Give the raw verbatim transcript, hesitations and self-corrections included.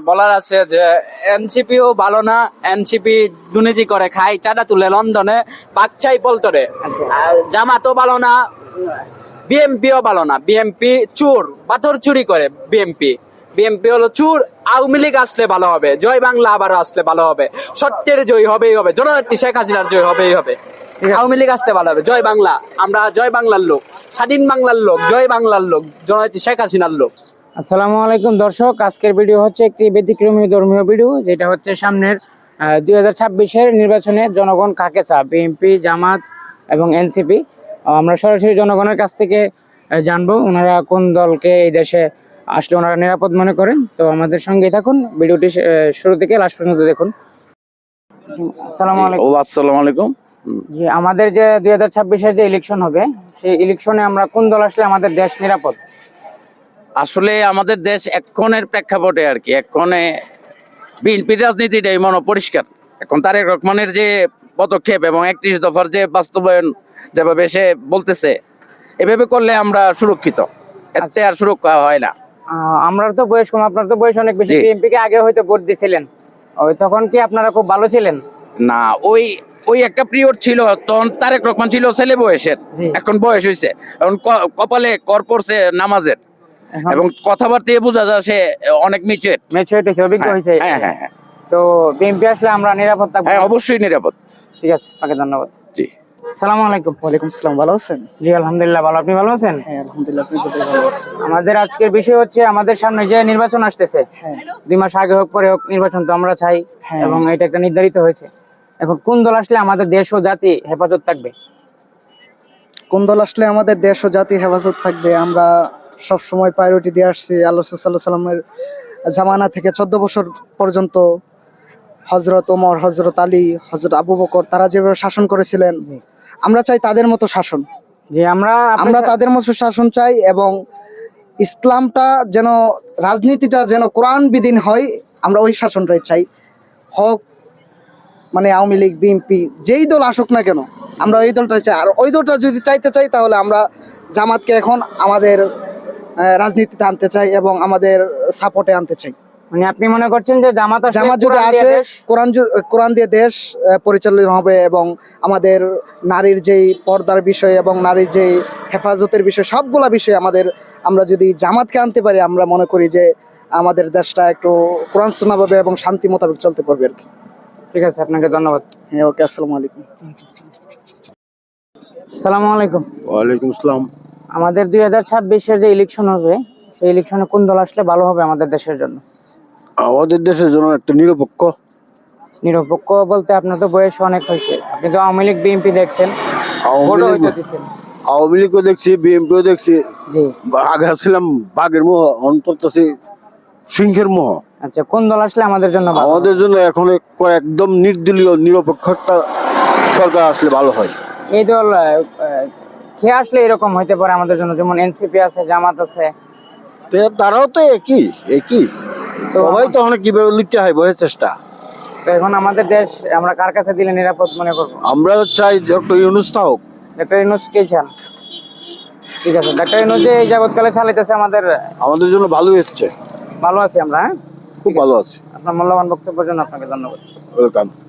বলার আছে যে এনসিপিও ভালো না, এনসিপি দুর্নীতি করে খায়, চাঁদা তুলে লন্ডনে, পাকচাই পল্টরে। আর জামাতও ভালো না, বিএমপিও ভালো না, বিএমপি চোর, পাথর চুরি করে বিএমপি। বিএমপি হলো চুর। আওয়ামী লীগ আসলে ভালো হবে, জয় বাংলা আবারও আসলে ভালো হবে, সত্যের জয় হবেই হবে, জননেত্রী শেখ হাসিনার জয় হবেই হবে। আওয়ামী লীগ আসতে ভালো হবে, জয় বাংলা, আমরা জয় বাংলার লোক, স্বাধীন বাংলার লোক, জয় বাংলার লোক, জননেত্রী শেখ হাসিনার লোক। আসসালামু আলাইকুম দর্শক, আজকের ভিডিও হচ্ছে একটি ব্যতিক্রমী ধর্মীয় ভিডিও, যেটা হচ্ছে সামনের দুই হাজার ছাব্বিশের নির্বাচনে জনগণ কাকে চা, বিএনপি, জামাত এবং এনসিপি। আমরা সরাসরি জনগণের কাছ থেকে জানবো ওনারা কোন দলকে এই দেশে আসলে ওনারা নিরাপদ মনে করেন। তো আমাদের সঙ্গেই থাকুন, ভিডিওটি শুরু থেকে লাস্ট পর্যন্ত দেখুন। আসসালামু আলাইকুম। আসসালামু আলাইকুম। জি, আমাদের যে দুই হাজার ছাব্বিশের যে ইলেকশন হবে, সেই ইলেকশনে আমরা কোন দল আসলে আমাদের দেশ নিরাপদ? আসলে আমাদের দেশ এক্ষণের প্রেক্ষাপটে আর কি, এক্ষণে বিএনপির রাজনীতিটাই মনে পরিষ্কার। এখন তারেক রহমানের যে পদক্ষেপ এবং একত্রিশ দফার যে বাস্তবায়ন যেভাবে সে বলতেছে, এভাবে করলে আমরা সুরক্ষিত, এতে আর সুরক্ষা হয় না। আমরা তো বয়স কম, আপনার তো বয়স অনেক বেশি। বিএনপি কে আগে হয়তো ভোট দিয়েছিলেন, ওই তখন কি আপনারা খুব ভালো ছিলেন? না, ওই ওই একটা পিরিয়ড ছিল, তখন তারেক রহমান ছিল ছেলে বয়সের, এখন বয়স হয়েছে, এখন কপালে কর পড়ছে নামাজের, এবং কথাবার্তায় বোঝা যায় সে অনেক ম্যাচিউরড ম্যাচিউরড হয়েছে, অভিজ্ঞ হয়েছে। হ্যাঁ হ্যাঁ হ্যাঁ। তো বিএনপি আসলে আমরা নিরাপদ থাকবো? হ্যাঁ, অবশ্যই নিরাপদ। ঠিক আছে, আপনাকে ধন্যবাদ। জি, আসসালামু আলাইকুম। ওয়ালাইকুম আসসালাম, ভালো আছেন? জি আলহামদুলিল্লাহ ভালো, আপনি ভালো আছেন? হ্যাঁ আলহামদুলিল্লাহ, আপনি তো ভালো আছেন। আমাদের আজকের বিষয় হচ্ছে আমাদের সামনে যে নির্বাচন আসতেছে, দুই মাস আগে হোক পরে হোক, নির্বাচন তো আমরা চাই এবং এটা একটা নির্ধারিত হয়েছে। এখন কোন দল আসলে আমাদের দেশ ও জাতি হেফাজত থাকবে? কোন দল আসলে আমাদের দেশ ও জাতি হেফাজত থাকবে? আমরা সব সময় প্রায়োরিটি দিয়ে আসছি আল্লাহ সাল্লাল্লাহু আলাইহি সাল্লামের জামানা থেকে চোদ্দ বছর পর্যন্ত। হযরত ওমর, হযরত আলী, হযরত আবু বকর, তারা যেভাবে শাসন করেছিলেন, আমরা চাই তাদের মতো শাসন। যে আমরা আমরা তাদের মতো শাসন চাই, এবং ইসলামটা যেন, রাজনীতিটা যেন কোরআন বিধীন হয়, আমরা ওই শাসনটাই চাই। হক মানে আওয়ামী লীগ, বিএনপি, যেই দল আসুক না কেন, আমরা ওই দলটাই চাই। আর ওই দলটা যদি চাইতে চাই, তাহলে আমরা জামাতকে এখন আমাদের রাজনীতিতে আনতে চাই এবং আমাদের সাপোর্টে আনতে চাই। মানে আপনি মনে করছেন যে জামাত জামাত যদি আসে, কোরআন কোরআন দিয়ে দেশ পরিচালিত হবে, এবং আমাদের নারীর যেই পর্দার বিষয় এবং নারীর যেই হেফাজতের বিষয়, সবগুলা বিষয় আমাদের, আমরা যদি জামাতকে আনতে পারি, আমরা মনে করি যে আমাদের দেশটা একটু কোরআন সুন্নাহভাবে এবং শান্তি মোতাবেক চলতে পারবে আর কি। ঠিক আছে, আপনাকে ধন্যবাদ। হ্যাঁ, ওকে, আসসালামু আলাইকুম। আসসালামু আলাইকুম। ওয়ালাইকুম আসসালাম। আমাদের দুই হাজার ছাব্বিশের যে ইলেকশন হবে, সেই ইলেকশনে কোন দল আসলে ভালো হবে আমাদের দেশের জন্য? আমাদের দেশের জন্য একটা নিরপেক্ষ। নিরপেক্ষ বলতে আপনার তো বয়স অনেক হয়েছে, আপনি তো আওয়ামী লীগ, বিএনপি দেখছেন, আওয়ামী লীগও দেখছি, বিএনপিও দেখছি। জি, আগে ছিলাম বাঘের মোহ, অন্তর্তাছি সিংহের মোহ। আচ্ছা, কোন দল আসলে আমাদের জন্য? আমাদের জন্য এখন একদম নির্দলীয় নিরপেক্ষ একটা সরকার আসলে ভালো হয়। এই দল খেয়ে আসলে এরকম হইতে পারে আমাদের জন্য, যেমন এনসিপি আছে, জামাত আছে, তারাও তো একই একই সবাই তো অনেক কিভাবে লিখতে হয় বইয়ের চেষ্টা। তো এখন আমাদের দেশ আমরা কার কাছে দিলে নিরাপদ মনে করবো? আমরা চাই ডক্টর ইউনূস হোক। ডক্টর ইউনূস কে চান? ঠিক আছে, ডক্টর ইউনূস যে এই যাবৎকালে চালাইতেছে আমাদের আমাদের জন্য ভালোই হচ্ছে, ভালো আছি আমরা। হ্যাঁ, খুব ভালো আছি। আপনার মূল্যবান বক্তব্যের জন্য আপনাকে ধন্যবাদ। ওয়েলকাম।